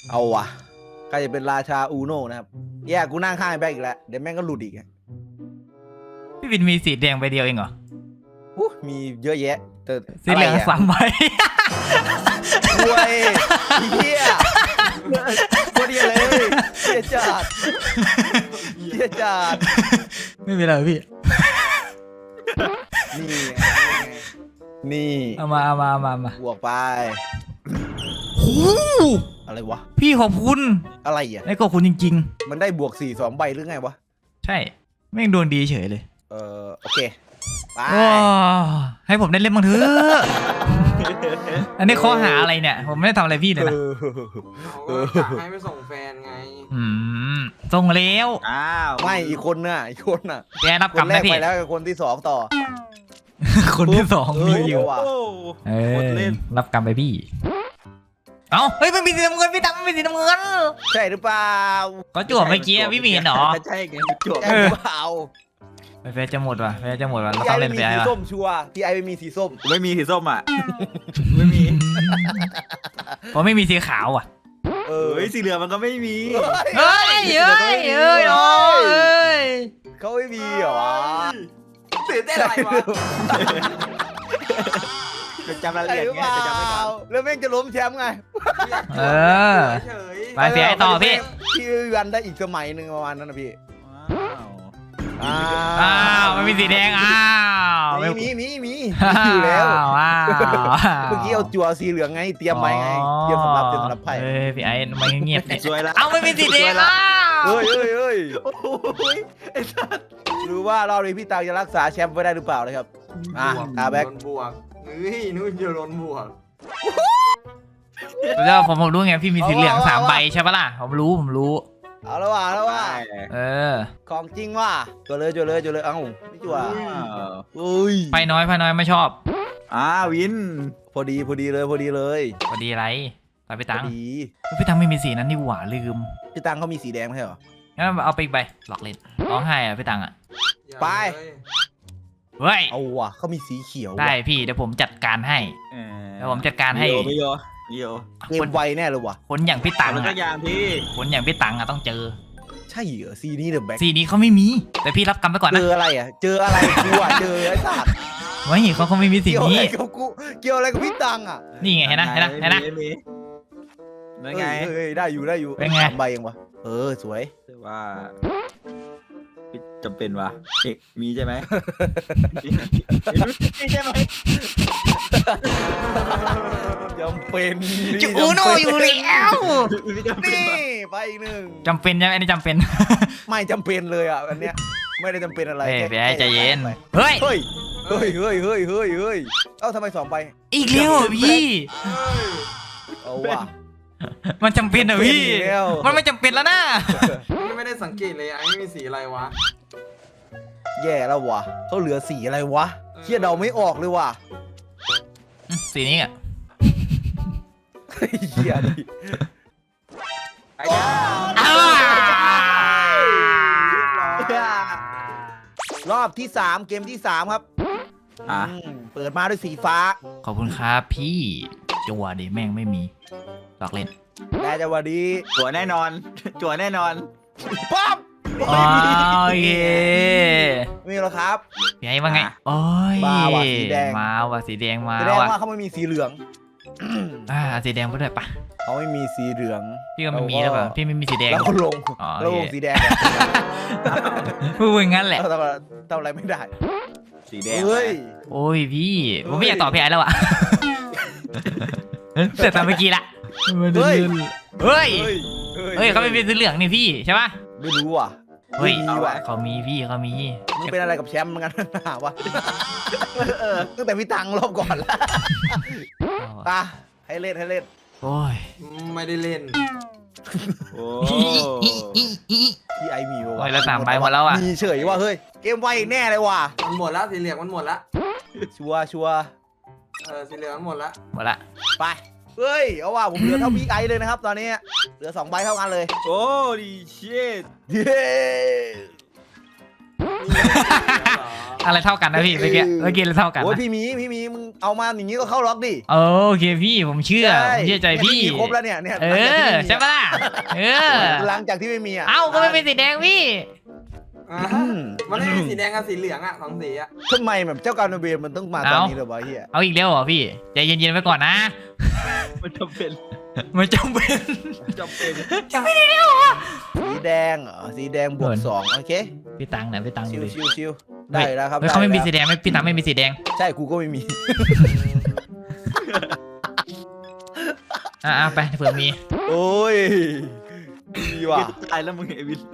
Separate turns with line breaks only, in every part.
เอาว่ะใครจะเป็นราชาอูโน่นะครับแย่กูนั่งข้างไอ้แบงค์อีกแล้วเดี๋ยวแม่งก็หลุดอีก
พี่วินมีสีแดงใบเดียวเองเหรอ
มีเยอะแยะแต่
สีเหลือง3 ใบ
รวยเฮียโคตรเฮียเลยเฮียจัด
ไม่เป็นไรพี่
นี่
เอามา
บวกไป
โอ้
อะไรวะ
พี่ขอบคุณ
อะไรอ่ะ
ไอ้ขอบคุณจริง
ๆมันได้บวก4 2 ใบหรือไงวะ
ใช่แม่งดวงดีเฉยเลย
โอเคไป
ให้ผมได้เล่นบ้างเถอะ อันนี้ข้อหาอะไรเนี่ยผมไม่ได้ทำอะไรพี่เลยนะ
ให้ไปส่งแฟนไง
ส่งแล้ว
ไม่อีกคนน่ะ
แกรับกรรมนะพี่
ไปแล้วคนที่2ต่อ
คนที่2มีอยู่รับกรรมไปพี่เฮ้ยไม่มีสีน้ำเงินพี่ตั้มไม่มีสีน้ำเงิน
ใช่หรือเปล่า
ก็จั่วเมื่อกี้พี่มีเห็นหรอ
ใช่ไงจั่วหรือเปล่า
เฟซจะหมดว่ะเราต้องเล่นเฟซ
สีส้มชัวร์พี่ไอไม่มีสีส้ม
ไม่มีสีส้มอ่ะไม่มี
ผมไม่มีสีขาวอ่ะ
สีเหลืองมันก็ไม่มี
เฮ้ย
เขาไม่มีเหรอ
ตื่นเต้นอะไรวะ
จะจำรายละเอียดไงจะจำไม่ได้
แล้วแม่งจะล้มแชมป์ไง
ไปเสียต่อพี่
วันได้อีกสมัยหนึ่งประมาณนั้นนะพี่
มันมีสีแดง
มีอยู่แล้วเมื่อกี้เอาจั่วสีเหลืองไงเตรียมไว้ไงเตรียมสำหรับไพ่
พี่ไอ้มันเงียบ
สวยละ
ไม่มีสีแดง
เฮ้ยไอ้สัสรู้ว่าเราเลยพี่ตาจะรักษาแชมป์ไว้ได้หรือเปล่านะครับตาแบ็ค
บวกนู่นจะโดนบวก
แล้วผมรู้ไงพี่มีสีเหลือง3 ใบใช่ปะล่ะผมรู้
เอาแล้วว่าของจริงว่ะจั่วเลยเอ้าไม่จั่ว
ไพ่น้อยไม่ชอบ
วิน
พอดีเลย
พอดีอะไรไปพี่ตังไม่มีสีนั้นนี่หว่าลืม
พี่ตังเขามีสีแดงไม่ใช่เหรอ
งั้นเอาไปอีกใบหลอกเล่นร้องไห้พี่ตัง
ไป
เฮ้ย
เอาว่ะเขามีสีเขียว
ได้พี่เดี๋ยวผมจัดการให้เ
กมไวแน่เลยว่ะ
คนอย่างพี่ตังคนอย่างพี่ตังต้องเจอ
ใช่เหรอสีนี้เดอะแบ็ค
สีนี้เขาไม่มีแต่พี่รับกรรมไปก่อนนะ
เจออะไรกูเจอไอ้สัตว์
ไม่เขาไม่มีสีนี้
เกี่ยวอะไรกับพี่ตัง
นี่ไงเห็นนะ
นั่นไง
ได้อยู่
เป็นไง
ใบเองวะสวย
ว่าจำเป็นวะมีใช่ไหมใช่ไหม
จำเป็น
จูโน่อยู่แล้ว
นี่ไปอีก1
จำเป็นใช่ไหมอันนี้จำเป็น
ไม่จำเป็นเลยอันเนี้ยไม่ได้จำเป็นอะไร
พี่ไอ้ใจเย็น
เฮ้ยทำไม2 ใบ
อีกแล้วพี่
เอาว่ะ
มันจำเป็นเหรอพี่มันไม่จำเป็นแล้วนะ
ไม่ได้สังเกตเลยไอ้มีสีอะไรวะ
แย่แล้ววะเขาเหลือสีอะไรวะเฮียเดาไม่ออกเลยว่ะ
สีนี้อ่ะ
เฮียดิรอบที่3เกมที่3ครับเปิดมาด้วยสีฟ้า
ขอบคุณครับพี่จั่วดิแม่งไม่มีหลอกเล่น
ได้จังหวะดี
จั่วแน่นอน
ป๊อป
โอเค
มีแล้วครับ
พี่ไอ้ว่าไงโอ้ย
มาว่ะสีแดง
สีแดงมา
แสดงว่าเขาไม่มีสีเหลือง
สีแดงไปด้วยปะ
เขาไม่มีสีเหลือง
พี่ก็ไม่มีแล้วป่ะพี่ไม่มีสีแดง
แล้วก็ลงสีแดง
พูดงั้นแหละ
ทำอะไรไม่ได้
สีแดง
โอ้ยพี่ผมไม่อยากตอบพี่ไอ้แล้วอะแต่ตอนเมื่อกี้ละเฮ้ยเขาไม่เป็นสีเหลืองนี่พี่ใช่ปะ
ไม่รู้ว่ะ
เฮ้ยเขามีพี่เขามี
มึงเป็นอะไรกับแชมป์เหมือนกันนะวะตั้งแต่พี่ตังรอบก่อนแล้วให้เล่น
โอ้ย
ไม่ได้เล่น
พี่ไอมีวะ
แล้ว3 ใบหมดแล้วอ่ะ
มีเฉยว่าเฮ้ยเกมไวแน่เลยว่ะ
มันหมดแล้วสีเหลืองมันหมดแล้ว
ชัว
สีเหลืองมันหมดแล้ว
ไปเฮ้ยเอาว่าผมเหลือเท่าพี่ไอเลยนะครับตอนนี้เหลือ2 ใบเท่ากันเลย
โอ้ดีเชิด
อะไรเท่ากันนะพี่เมื่อกี้อะไรเท่ากัน
โอ้ย
นะ
พี่หมีมึงเอามาอย่างงี้ก็เข้าล็อกดิ
โอเคพี่ผมเชื่อใจพี่
เนี่ยครบแล้วเนี่ย
ใช่ปะล่ะ
หลังจากที่ไม่มีอ่ะ
เอ้าก็ไม่เป็นสีแดงพี่
มันไม่มีสีแดงกับสีเหลืองอ่ะ2สีอ่ะ
ทำไมแบบเจ้ากรรมนายเวรมันต้องมาตอนนี้เลยวะเฮีย
เอาอีกแล้วเหรอพี่ใจเย็นๆไว้ก่อนนะ
มันจำเป็น
ไม่จำเป็น
จำเป็น
สีแดงเหรอสีแดงบวก2โอเค
พี่ตังค์นะพี่ตังค์
ชิวได้แล้วครับ
เขาไม่มีสีแดงไม่พี่ตังค์ไม่มีสีแดง
ใช่กูก็ไม่มี
ไปเผื่อมี
โอ้ยมีว่ะ
ตายแล้วมึงไอ้วิน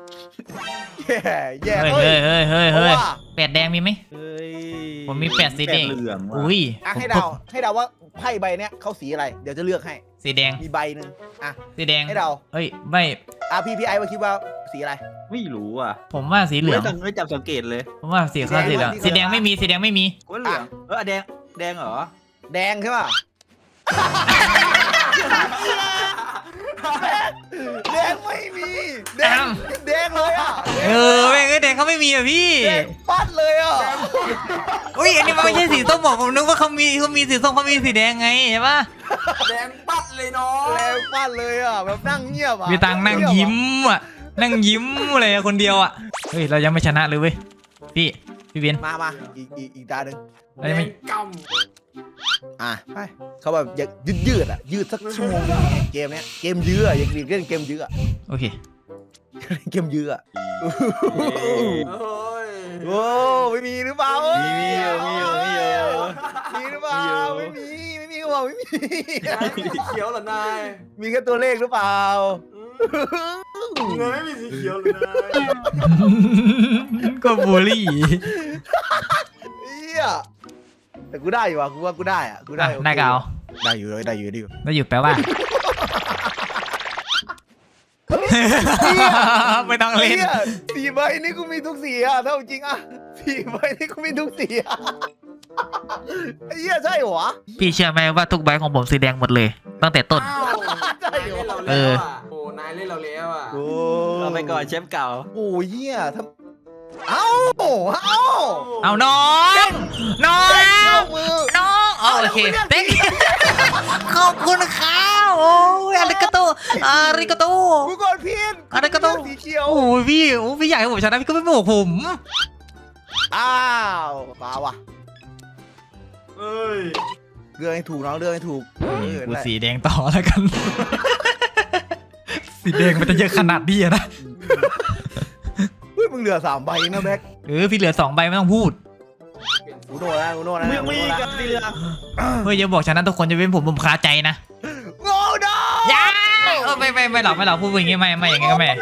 แย่
เฮ้ยแปดแดงมีไหม
เฮ้ย
ผมมี8สีแดง
เหลืองว่ะ
อุ้ย
ให้เดาว่าไพ่ใบเนี้ยเข้าสีอะไรเดี๋ยวจะเลือกให้
สีแดง
มีใบหนึ่งอ่ะ
สีแดง
ให้เดา
เฮ้ยไม่
พี่ไอว่าคิดว่าสีอะไร
ไม่รู้อ่ะ
ผมว่าสีเหลือง
ไม่จับสังเกตเลย
ผมว่าสีข้าวสีเหลืองสีแดงไม่มีสีแดงไม่มี
ก็เหลืองแดงเหรอ
แดงใช่ป่ะแดงไม่มีแดงเลยอ่ะ
ไม่แดงเขาไม่มีอ่ะพี่
แดงปัดเลยอ่ะ
อุ้ยอันนี้มันไม่ใช่สีส้มบอกผมนึกว่าเขามีสีส้มเขามีสีแดงไงใช่ปะ
แดงปัดเลยน้อง
แดงปัดเลยอ่ะแบบนั่งเงียบอ่ะ
มีตังนั่งยิ้มอ่ะนั่งยิ้มเลยคนเดียวอ่ะเฮ้ยเรายังไม่ชนะเลยเว้ยพี่เบน
มาอีกตาหนึ่ง
เรายังไม่
ก
ไปเขาแบบอยากยืดอ่ะยืดสักชั่วโมงนึงเกมเนี้ยเกมยื้ออยากเล่นเกมยื้อ
โอเค
เกมยื้อ
ำเฮ้ย
โอ้ไม่มีหรือเปล่า
มีอยู่
มีหรือเปล่าไม่มีก็บอกไม่มี
นายมีสีเขียวเหรอนาย
มีแค่ตัวเลขหรือเปล่า
เงินไม่มีสีเขียวเลยนาย
ก็บูลลี่
เฮียแต่กูได้อยู่อ่ะกูว่ากูได้อ่ะกูได้
ได้ก็เอา
ได้อยู่เลยได้อยู่
ได้อยู่แปลว่าไม่ต้องเล่น
4 ใบนี่กูมีทุกสีอ่ะเท่าจริงอ่ะ4 ใบนี่กูมีทุกสีอ่ะไอ้เหี้ยใช่เหรอ
พี่เชื่อไหมว่าทุกใบของผมสีแดงหมดเลย ตั้งแต่ต้น
นายเล่นเราแล้วอ่ะโอ้นายเล่นเราแล้วอ่ะ
เอาไปก่อนเชฟเก่า
โอ้ยเหี้ยทำเอา
เอาน้อง
มือ
โอเคเต็กขอบคุณครับโอ้ยอาริกาโต
กูกดพินสีเขียว
โอ้ยพี่อยากให้ผมชนะพี่ก็ไม่บอกผม
อ้าวมาว่ะ
เอ้ย
เรื่องให้ถูกน้องเรื่องให้ถูก
กูสีแดงต่อแล้วกัน สีแดงมันจะเยอะขนาดนี้นะ
เฮ้ยมึงเหลือ3 ใบนะแบ็ค
พี่เหลือ2 ใบไม่ต้องพูด
กูโน่นะ
มึงมีกับสีเหลือง
เฮ้ยอย่าบอกชนะทุกคนจะเป็นผมคาใจนะ
โง่ดอ
ย้าไม่หรอกพูดอย่างงี้ไม่อย่างงี้ก็ไม่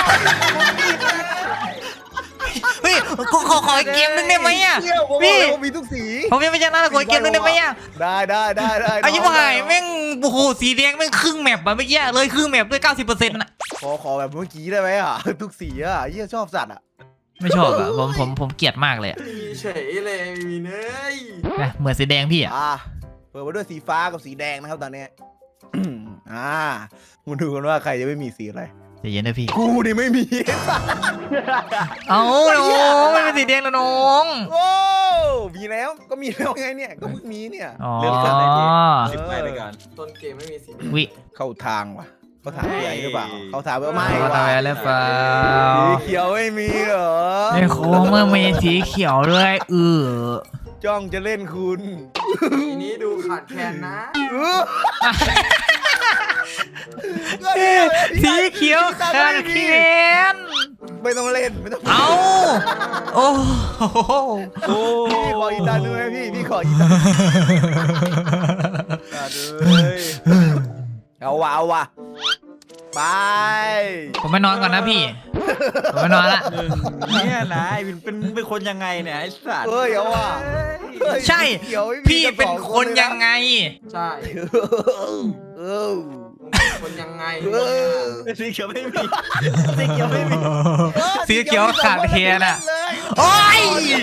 เฮ้ยขออีกเกมนึงได้ไหมอ่ะพี่
มีทุกสี
ผมยังไม่ชนะขออีกเกมนึงได้ไหมอ่ะ
ได้
อายุหายแม่งโอ้โหสีแดงแม่งครึ่งแมปอะเมื่อกี้เลยครึ่งแมปด้วย 90%น่ะ
ขอแบบเมื่อกี้ได้ไหมอ่ะทุกสีอ่ะเหี้ยชอบสัตว์อ่ะ
ไม่ชอบอะผมเกลียดมากเลยอะ
มีเฉยเลยมีเนย
เหมือนสีแดงพี่อะ
เปิดมาด้วยสีฟ้ากับสีแดงนะครับตอนนี้มาดูกันว่าใครจะไม่มีสีอะไร
ใจเย็นนะพี่
กูนี่ไม่มี
เอาน้องไม่เป็นสีแดงแล้วน้อง
โอ้มีแล้วก็มีแล้วไงเนี่ยก็เพิ่งมีเนี่ย
อ๋อ
เลือกกันได้ทีสิบไปก่อน
ต้นเกมไม่มีสี
วิ
เข้าทางว่ะเขาถามพี่ไอ้หรือเปล่าเขาถามว่าไม่
ทำอะไรเปล่า
สีเขียวไม่มีเหรอ
ในโค้งเมื่อมีสีเขียวด้วย
จ้องจะเล่นคุณ
ทีนี้ดูขาดแคลนนะ
สีเขียวขาดเขียน
ไม่ต้องเล่นไม่ต้อง
เอาโอ้โห
พี่ขออีกตาหนึ่งไหมพี่ขออีกตาเอาว่ะไป
ผมไปนอนก่อนนะพี่ผมไปนอนละ
เนี่ยนะไอ้วินเป็นคนยังไงเนี่ยไอ้สัตว์
เฮ้ยเอาว่ะ
ใช่พี่เป็นคนยังไง
ใช่
เออ
คนยังไง
สีเขียวไม่มีสีเขียวไม่มี
สีเขียวขาดเทียนอ่ะโอ้ย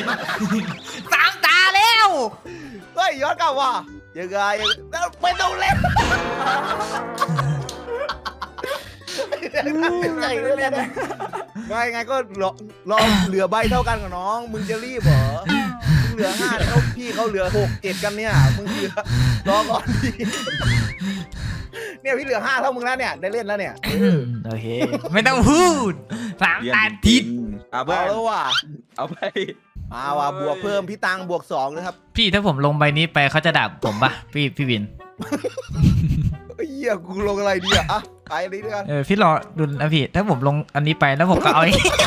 3 ตาแล้ว
เฮ้ยย้อนกลับว่ะยังไงไม่ต้องเล่นใหญ่เลยเนี่ยไม่ไงก็รอเหลือใบเท่ากันกับน้องมึงจะรีบเหรอมึงเหลือ5แล้วพี่เขาเหลือ6 7กันเนี่ยมึงเหลือรอก่อนดิเนี่ยพี่เหลือ5เท่ามึงแล้วเนี่ยได้เล่นแล้วเนี่ย
โอเคไม่ต้องพูด3 อาทิตย์
เอาเพื่อ
เอา
น
แล้วว่ะ
เอาไป
มาว่ะบวกเพิ่มพี่ตังบวก2นะครับ
พี่ถ้าผมลงใบนี้ไปเขาจะด่าผมปะพี่วิน
เฮียกูลงอะไรดีอ่ะไปเลยด้วยกัน
พี่รอดูนะพี่ถ้าผมลงอันนี้ไปแล้วผมก็เอา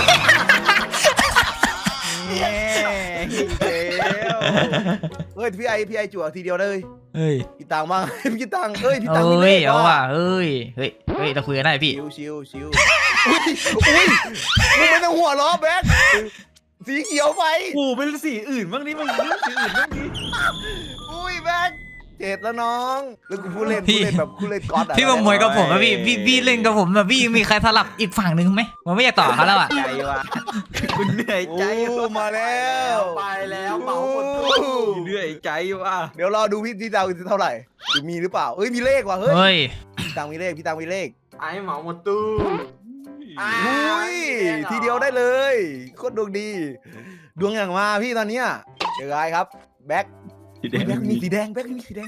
เนี่ยเฮ้ยพี่ไอจั่วทีเดียวเลย
เฮ้ย
พี่ตังบ้างพี่ตังพี่ตัง
เอ้
ไม่
ย
เล่น
เอาว่ะเฮ้ยเราคุยกันได้พี่
ชิวอุ้ยมึงไม่ต้องหัวล้อแบ๊กสีเขียวไป
กูเป็นสีอื่นบ้างนี่มันเลือกสีอื่นบ้างนี่
อุ้ยแบ๊ก7แล้วน้องแล้วกูพูดเล่นแบบกูเล่นก๊อตอ่ะ
พี่มามวยกับผมอะพี่เล่นกับผมแบบพี่มีใครสลับอีกฝั่งหนึ่งไหมมันไม่อยากต่อเขาแล้วอะ
ใจว่ะคุณเหนื่อยใจ
โอ้มาแล้ว
ไปแล้วเหมาหมดตู้
เหนื่อยใจว่ะ
เดี๋ยวรอดูพี่ตังเท่าไหร่ดูมีหรือเปล่าเอ้ยมีเลขว่ะเฮ้ย
เฮ้ย
พี่ตังมีเลข
ไอ้เหมาหมดตู้
อุ้ยทีเดียวได้เลยโคตรดวงดีดวงอย่างมาพี่ตอนเนี้ยเดี๋ยวไงครับแบ็ค
สีแดง
แบ็คมีสีแดงแบ็คมีสีแดง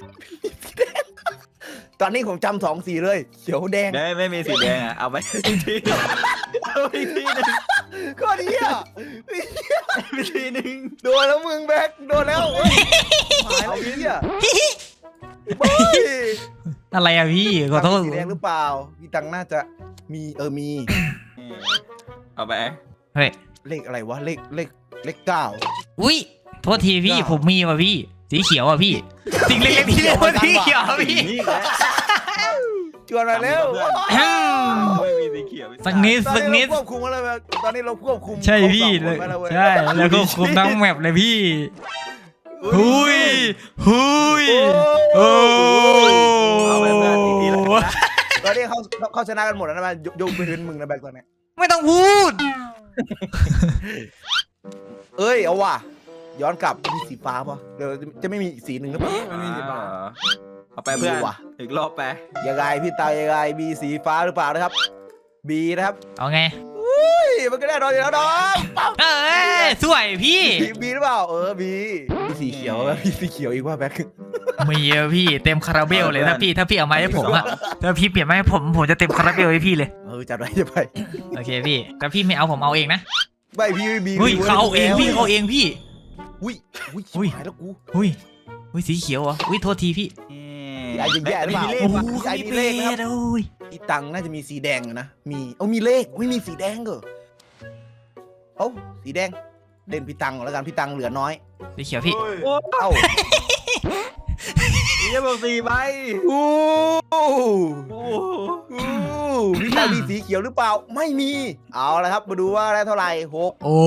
ตอนนี้ผมจำ2 สีเลยเขียวแดง
ได้ไม่มีสีแดงอ่ะเอาไปทีเอาไปทีนึง
ก็ดีอ่ะ
ไปทีนึง
โดนแล้วมึงแบ็คโดนแล้วเฮ้ยหายแล้วไอ้เหี้ยเฮ้ย
อะไรอะพี่ขอโทษ
สีแดงหรือเปล่าพี่ตังน่าจะมีมี
เอาไป
เฮ้ย
เลขอะไรวะเลข9
อุ้ยโทษทีพี่ผมมีว่ะพี่สีเขียวอ่ะพี่สิ่งเล็กๆที่สีเขียวพี่
นี่แหละ
ชวนมาเร็ว
ไม่มีสีเขียว
สักนิด
ตอนนี้เราควบคุมอะไรแบบตอนนี้เราควบคุม
ใช่พี่เลยใช่แล้วก็คุมทั้งแมปเลยพี่หุยโอ้
เอาไปเพื่อนอีกทีละกันนะ
ตอนนี้เขาชนะกันหมดแล้วนะมันยกไปถึงมึงนะแบกตอนนี้
ไม่ต้องพูด
เอ้ยเอาว่ะย้อนกลับมีสีฟ้าป่ะเดี๋ยวจะไม่มีอีกสีหนึ่งหรือเปล่า
มันมีสีฟ้า
เอาไปเพื่อน
ดีว่ะ
อีกรอบไป
ยังไงพี่ตายยังไงมีสีฟ้าหรือเปล่านะครับบีนะครับ
เอาไง
เฮ้ยมันก็แน่นอนอยู่แล้วน้องปั๊บ
เอ้ยสวยพี่
บีหรือเปล่าบีมีสีเขียวมีสีเขียวอีกว่าแบก
มีเยอะพี่เต็มคาราเบลเลยถ้าพี่เอามาให้ผมอะถ้าพี่เปลี่ยนมาให้ผมจะเต็มคาราเบลให้พี่เลย
จัดไว้จะไป
โอเคพี่ถ้าพี่ไม่เอาผมเอาเองนะ
ไม่พี่บี
เฮ้ยเขาเอาเองพี่เขาเอาเองพี่
อุ้ย
อุ้ย
หายแล้วกู
อุ้ยสีเขียวเหรออุ้ยโทษทีพี่
ไอ้ยังแย่หรือเปล่า
มีเล
โอ้
ข
โห
ว่ะ
ไอ้มีเลขนะครับ
โอ้ย
อีตังน่าจะมีสีแดงนะมีเลขไม่มีสีแดงเหรอเอ้าสีแดงเล่นพี่ตังก่อนแล้วกันพี่ตังเหลือน้อย
สีเขียวพี่
โอ้ย
โอ้
เอ้า
ยบอก4ใบ
อู้
โอ้
พี่ตังมีสีเขียวหรือเปล่าไม่มีเอาละครับมาดูว่าได้เท่าไหร่6
โอ้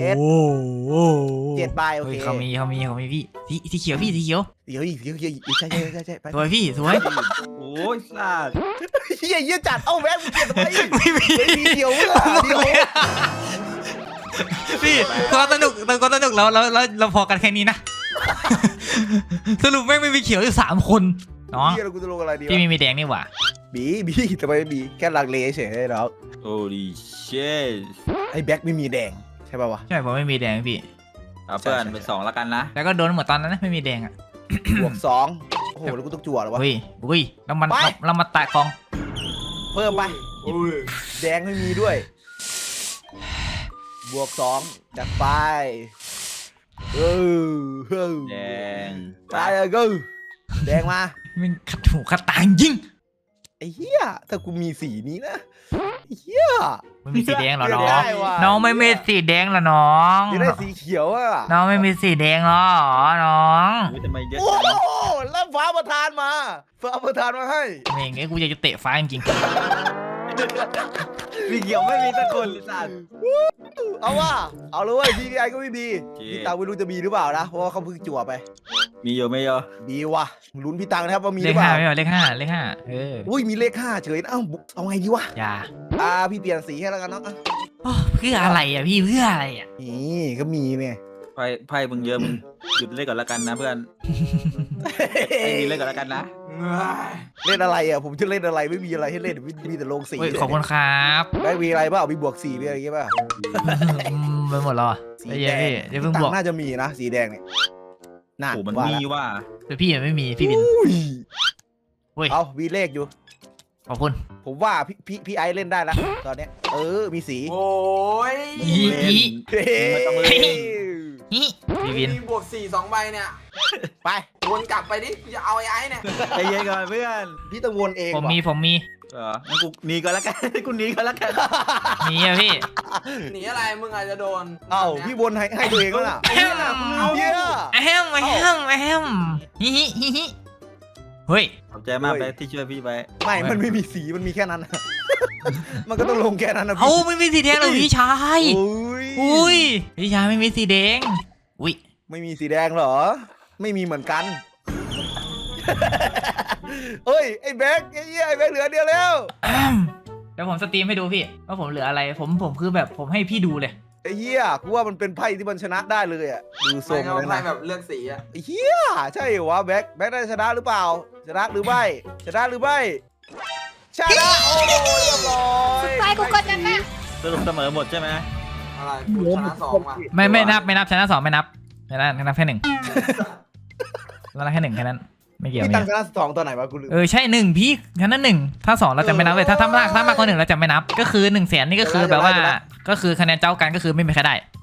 7 ใบโอเค
เขามีพี่สีเขียวพี่สีเขียว
เดี๋ยวอีกใช่ไป
สวยพี่สวย
โอ้ยสาด
เฮียจัดเอ้าแวะมึงเปลี่ยนทำไม
ไม่มี
สีเขียวเมื่อเดียว
พี่ก็สนุกแล้วเราพอกันแค่นี้นะ สรุปแม่งไม่มีเขียวอยู่3 คนเนาะ
เฮียเรากูจะลงอะไรดี
พี่
วะ
มีแดงนี่หว่า
บีทำไมบีแค่ลังเลเฉยๆแล้ว
โอ้ดิเชส
ไอ้แบ็คไม่มีแดงใช่ป่าวะ
ใช่ผมไม่มีแดงพี่
เอาเพื่อนไป2แล้วกันนะ
แล้วก็โดนเหมือนตอนนั้นนะไม่มีแดงอ่ะ
บวก2โอ้โหแล้วกูต้องจั่วเหรอวะ
อุ้ยแล้วมัน
ไป
เรามาแตะกอง
เพิ่มไป
โอ้ย
แดงไม่มีด้วย บวก2จัดไปเออ
แดง
ไปเลยกูแดงมา
มันขัดหูขัดตายิง
ไอ้เหี้ยถ้ากูมีสีนี้นะไอ้เหี้ย
ไม่มีสีแดงเหรอน้อง
ได้ว่ะ
น้องไม่มีสีแดงเหรอน้อง
จะได้สีเขียวอ่ะ
น้องไม่มีสีแดงเหรอน้อง
อุ๊ยทำไมเยอะ
โอ้
จัง
โหแล้วฟ้าประทานมาให้
เม่งไอ้กูอยากจะเตะฟ้าจริง
สีเขียวไม่มีสักคนเลยสัตว์
เอาว่ะเอาเลยเว้ยพี่ไอก็ไม่บีพี่ตังไม่รู้จะบีหรือเปล่านะเพราะว่าเขาเพิ่งจั่วไป
มีอยู่ไม่เยอะ
บีว่ะลุ้นพี่ตังนะครับว่ามี
ๆ
ห
เล
รื
ข
อเป
ห้า
ล่า
ไม่เอาเลขห้า
อุ้ยมีเลข5เฉยเอ้าเอาไงดีวะ
อย่า
พี่เปลี่ยนสีให้แล้วกันเนาะ
โอ้เพื่ออะไรอ่ะพี่เพื่ออะไรอ่ะ
นี่ก็มีเนี่ย
ไพ่มึงเยอะมึงหยุดเล่นก่อนละกันนะเพื่อนไม่มีเล่นก่อนละกันนะ
มเล่นอะไรอ่ะผมจะเล่นอะไรไม่มีอะไรให้เล่นมีแต่ลงสี
เฮ้ยขอบคุณครับ
ได้มีอะไรเปล่ามีบวก4มีอะไรอย่างเงี้ยป่ะ
ไปหมดแล้วอ่ะ
สี
ไอ้
แด
เหี้ย
ง
พี่เดี๋ยวเพิ่ง
ตั
บ
ง
อก
ค์น่าจะมีนะสีแดงเนี่ยน่า
โอ้มัน
ว่า
มี
ละ
ว่า
แต่พี่ยังไม่มีพี่บิน
อุ้ย
เฮ้ย
เอามีเลขอยู่
ขอบคุณ
ผมว่าพี่ไอซ์เล่นได้แล้วตอนเนี้ยมีสี
โอ้ย
อี
เฮ้
ไม่ต้องเล่น
ฮิพี่บิน
มีบวก4 2 ใบเนี่ย
ไป
วนกลับไปดิจะเอาไอ้เนี่ย
ใจเย็นก่อนเพื่อน
พี่ต้องวนเอง
ผมมี
ว่ะ
ผมมี
งั้นกูหนีก่อนละกัน กูหนีก่อนละกัน
มีอะพี่
หนีอะไรมึงอาจจะโดน
เอ้าพี่วนให้ตัวเองแล้วน่ะ
แอม
เหี้ย
แอมแอมแอมฮิฮิฮิฮิเฮ้ย
ขอบใจมากไปที่ช่วยพี่ไป
ไม่มันไม่มีสีมันมีแค่นั้น มันก็ต้องลงแค่นั้นนะ
เอา
พี่
ไม่มีสีแดงเลยพี่ชาย อุ้ยพี่ชายไม่มีสีแดงอุ้ย
ไม่มีสีแดงเหรอ ไม่มีเหมือนกัน เฮ้ยไอ้แบ็คไอ้เหี้ยไอ้แบ็คเหลือเดียวแล้ว
เดี๋ยวผมสตรีมให้ดูพี่ว่าผมเหลืออะไรผมคือแบบผมให้พี่ดูเลย
ไอ้เหี้ยกูว่ามันเป็นไพ่ที่มันชนะได้เลยอ่ะดูทร
ไม่
ง
เอา
เลย
ไพ่
นะ
แบบเลือกสีอะ
ไอ้เหี้ยใช่เหรอวะแบ็คได้ชนะหรือเปล่า ชนะหรือไม่ชนะหรือไม่ชนะโอ้ยเรียบร้อย
ไปกูกดนั่นนะ
สรุปเสมอหมดใช่ไหม
อะไรกูชนะ2ว่ะ
ไม่นับชนะ2ไม่นับชนะนับแค่1แล้วนับแค่1แค่นั้นไม่เกี่ยว
พี่
ไม่
ตั้ง
เกี่ยว
ชนะ2ตัวไหนวะกูลืม
ใช่1พี่ชนะ1ถ้า2เราจะไม่นับเลยถ้ามากกว่า1เราจะไม่นับก็คือ100,000นี่ก็คือแบบว่าก็คือคะแนนเจ้ากันก็คือไม่มีใครได้